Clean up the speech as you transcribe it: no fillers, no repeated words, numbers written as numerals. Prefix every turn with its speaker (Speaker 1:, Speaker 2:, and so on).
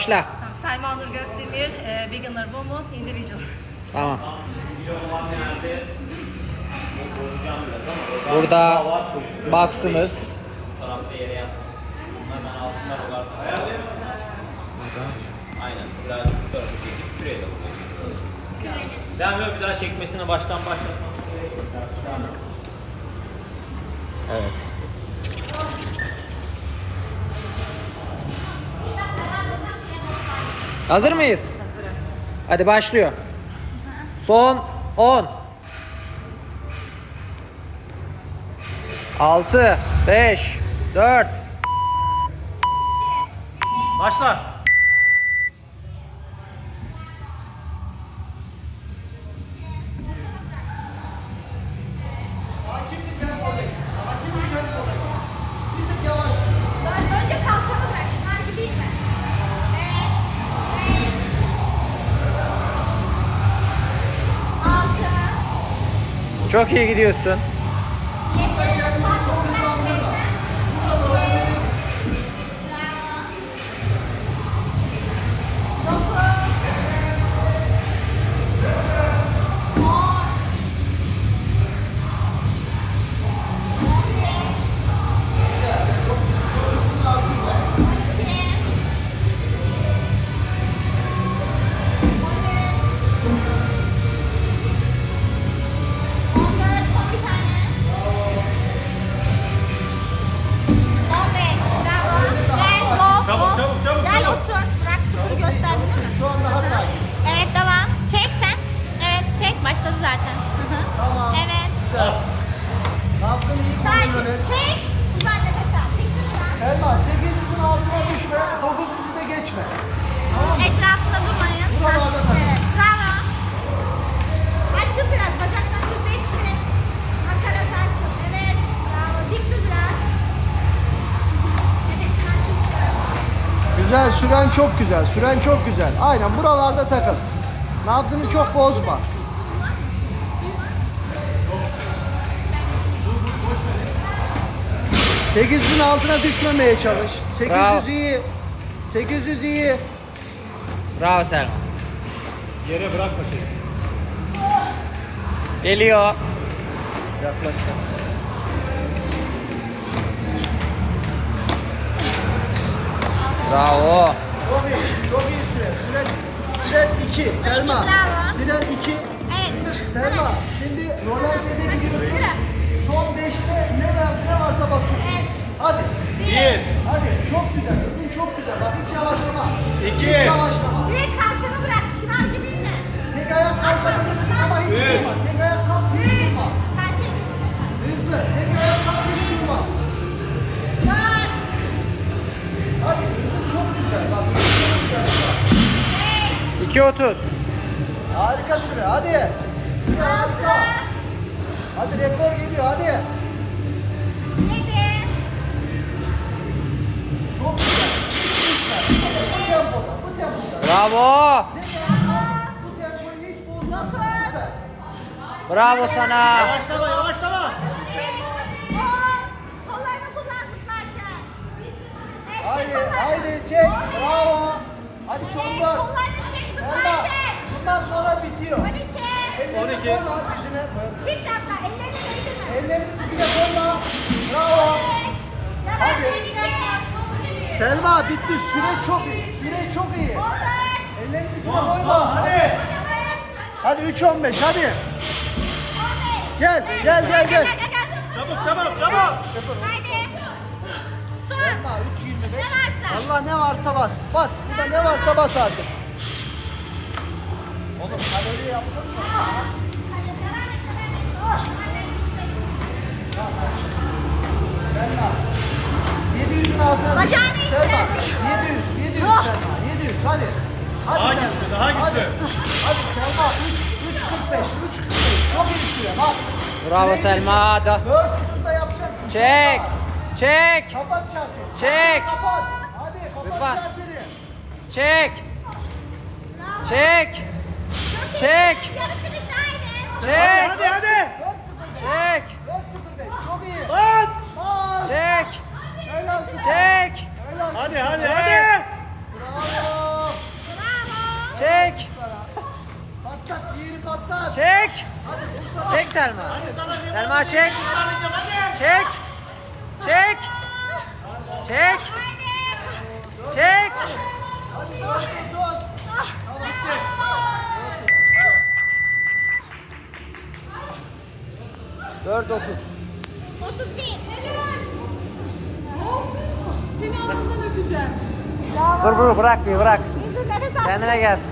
Speaker 1: başla.
Speaker 2: Tamam, Selma Nur Gökdemir, Beginner Woman, Individual.
Speaker 1: Tamam. Burada box'ımız.
Speaker 3: Aynen. Birazcık bu tarafa çekip küreğe de buraya çekiyoruz. Devam yok, bir daha çekmesine baştan başlatmam.
Speaker 1: Evet. Hazır mıyız?
Speaker 2: Hazırız.
Speaker 1: Hadi başlıyor. Son 10. 6, 5, 4.
Speaker 3: Başla.
Speaker 2: Önce kalçanı bırak, şınav gibi inme. Evet. 5, 6,
Speaker 1: Çok iyi gidiyorsun.
Speaker 2: 7, kalçanı bırak.
Speaker 3: Çabuk, çabuk, çabuk,
Speaker 2: Gel
Speaker 3: çabuk.
Speaker 2: otur. Bırak sıfırı gösterdin değil mi?
Speaker 4: Şu anda hasar.
Speaker 2: Evet devam. Çek sen. Evet çek. Başladı zaten. Hı hı.
Speaker 4: Tamam.
Speaker 2: Evet.
Speaker 4: Nabzını iyi kontrol
Speaker 2: Sadece
Speaker 4: et.
Speaker 2: çek. Uzan nefes al. Dik dur biraz.
Speaker 4: Selma 800'ün altına düşme, 900'ü de geçme. Tamam mı?
Speaker 2: Etrafında durmayın.
Speaker 4: Buralarda takıl.
Speaker 2: Evet. Bravo. Açıl biraz. Bacaklarını düzleştir. Makara sarsın. Evet. Bravo. Dik dur biraz. Nefesini açıl.
Speaker 4: Güzel, süren çok güzel, süren çok güzel. Aynen buralarda takıl. Nabzını çok bozma. ...800'ün altına düşmemeye çalış. 800
Speaker 1: Bravo.
Speaker 4: iyi. 800 iyi.
Speaker 1: Bravo Selma.
Speaker 3: Yere bırakma şeyi.
Speaker 1: Geliyor.
Speaker 4: Yaklaş.
Speaker 1: Bravo.
Speaker 4: Çok iyi, çok iyi süre. Süren 2. Selma.
Speaker 2: Bravo.
Speaker 4: Süren 2.
Speaker 2: Evet.
Speaker 4: Selma, şimdi rolantede gidiyorsun.
Speaker 2: Yürü.
Speaker 4: Son 5'te ne varsa basıyorsun.
Speaker 2: Evet.
Speaker 4: Hadi.
Speaker 3: 1,
Speaker 4: Hadi. Çok güzel. Hızın çok güzel. Bak hiç yavaşlama.
Speaker 3: 2,
Speaker 4: Hiç yavaşlama.
Speaker 2: Direkt kalçanı bırak. Şınav gibi inme.
Speaker 4: Tek ayak kalkabilirsin ama hiç
Speaker 3: 3.
Speaker 4: durma. Tek ayak kalk hiç
Speaker 2: 3.
Speaker 4: durma.
Speaker 2: Karşıya geçin.
Speaker 4: Hızlı. Tek ayak kalk hiç durma.
Speaker 2: 4.
Speaker 4: Hadi hızın çok güzel. Bak hızın çok güzel.
Speaker 1: 2.30.
Speaker 4: Harika süre. Hadi. Süre harika. Hadi rekor geliyor. Hadi.
Speaker 2: 7.
Speaker 4: Çok güzel. Hiç düşme. Bu tempoda. Bu tempoda.
Speaker 1: Bravo.
Speaker 4: Bu tempoyu hiç bozmazsın. Süper.
Speaker 1: Bravo sana.
Speaker 3: Yavaşlama, yavaşlama.
Speaker 2: Kollarını kullan zıplarken. Evet, çek
Speaker 4: Haydi,
Speaker 2: kollarını.
Speaker 4: haydi çek. Bravo. Hadi son
Speaker 2: Evet,
Speaker 4: dört.
Speaker 2: kollarını çek
Speaker 4: Selma,
Speaker 2: zıplarken.
Speaker 4: bundan sonra bitiyor.
Speaker 2: 12.
Speaker 4: Ellerini
Speaker 3: 12.
Speaker 4: koyma dizine.
Speaker 2: Çift atla. Ellerini değdirme.
Speaker 4: Ellerini dizine koyma. Bravo.
Speaker 2: 3.
Speaker 4: Hadi.
Speaker 2: 12.
Speaker 4: Selma bitti. Süre çok iyi. Süre çok iyi.
Speaker 2: 14.
Speaker 4: Ellerini dizine
Speaker 3: Son,
Speaker 4: koyma.
Speaker 3: son, hadi.
Speaker 4: Hadi 3-15 hadi.
Speaker 2: 15.
Speaker 4: Gel, gel, gel, gel.
Speaker 3: Çabuk, çabuk, çabuk.
Speaker 2: Haydi. Son.
Speaker 4: Selma 3-25.
Speaker 2: Ne varsa.
Speaker 4: Allah ne varsa bas. Bas. Burada ne varsa bas artık. Oğlum kalori yapsana. Selma. 700'ün altına düş.
Speaker 2: Bacağını indir.
Speaker 4: Selma. 700 Selma. 700 hadi. Hadi
Speaker 3: Daha
Speaker 4: Selma.
Speaker 3: güçlü, daha güçlü.
Speaker 4: Hadi, hadi Selma 3.45. Çok iyi süre bak.
Speaker 1: Bravo
Speaker 4: Süreyi
Speaker 1: Selma.
Speaker 4: düşün. 4.30'da yapacaksın.
Speaker 1: Çek.
Speaker 4: Selma.
Speaker 1: Çek.
Speaker 4: Kapat şarteri.
Speaker 1: Çek.
Speaker 4: Kapat. Hadi kapat
Speaker 1: Lütfen.
Speaker 4: şarteri.
Speaker 1: Çek. Çek. Çek.
Speaker 2: Yarısı bitti haydi.
Speaker 1: Çek.
Speaker 3: Hadi, hadi.
Speaker 4: 4.05.
Speaker 1: Çek.
Speaker 4: 4.05. Çok iyi.
Speaker 3: Bas.
Speaker 4: Bas.
Speaker 1: Çek.
Speaker 4: Helal kızım.
Speaker 1: Çek.
Speaker 4: Helal.
Speaker 3: Hadi, hadi,
Speaker 1: Çek.
Speaker 3: hadi.
Speaker 4: Bravo. Orta at.
Speaker 1: Çek.
Speaker 4: Hadi vursana.
Speaker 1: Çek Selma. Selma çek. Çek. Çek. Çek. Çek.
Speaker 4: Hadi dur. 4.30.
Speaker 2: 31.
Speaker 5: Seni alnından öpeceğim.
Speaker 1: Dur bırak bir bırak.
Speaker 2: Dur nefes al.
Speaker 1: Kendine gelsin.